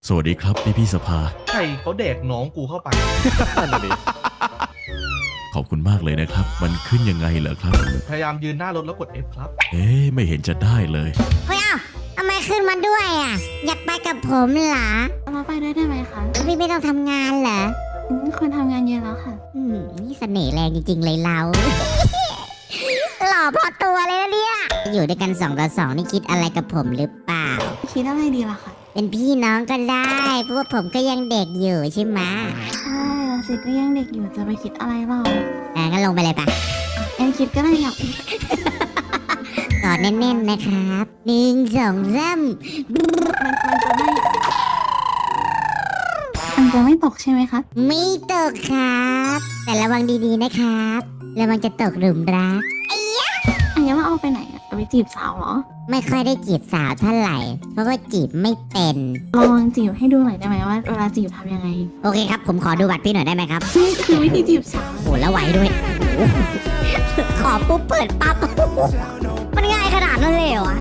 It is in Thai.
สวัสดีครับพี่สภาใช่เขาแดกน้องกูเข้าไปขอบคุณมากเลยนะครับมันขึ้นยังไงเหรอครับพยายามยืนหน้ารถแล้วกด F ครับไม่เห็นจะได้เลยเฮ้ยทำไมขึ้นมาด้วยอ่ะ อยากไปกับผมเหรอมาไปด้วยได้ไหมคะพี่ไม่ต้องทำงานเหรอคนทำงานเยอะแล้วค่ะนี่เสน่ห์แรงจริงๆเลยเรา หล่อพอตัวเลยนะเนี่ย อยู่ด้วยกัน2 ต่อ 2นี่คิดอะไรกับผมหรือเปล่าคิดอะไรดีล่ะคะเป็นพี่น้องก็ได้ เพราะว่าผมก็ยังเด็กอยู่ใช่ไหมใช่เราสิก็ยังเด็กอยู่จะไปคิดอะไรเรางั้นลงไปเลยปะแอนคิดก็ได้อยากกอดแน่นๆนะครับ1 2 3 มันจะไม่ตกใช่ไหมคะไม่ตกครับ แต่ระวังดีๆนะครับระวังจะตกหลุมรักอันนี้เราเอาไปไหนอะจะไปจีบสาวเหรอไม่ค่อยได้จีบสาวเท่าไหร่ เพราะว่าจีบไม่เป็นลองจีบให้ดูหน่อยได้ไหมว่าเวลาจีบทำยังไงโอเคครับ ผมขอดูบัตรพี่หน่อยได้ไหมครับนี่คือวิธีจีบสาวโหแล้วไหวด้วย ขอปุ๊บเปิดปั๊บ มันง่ายขนาดนั้นเลยเหรอ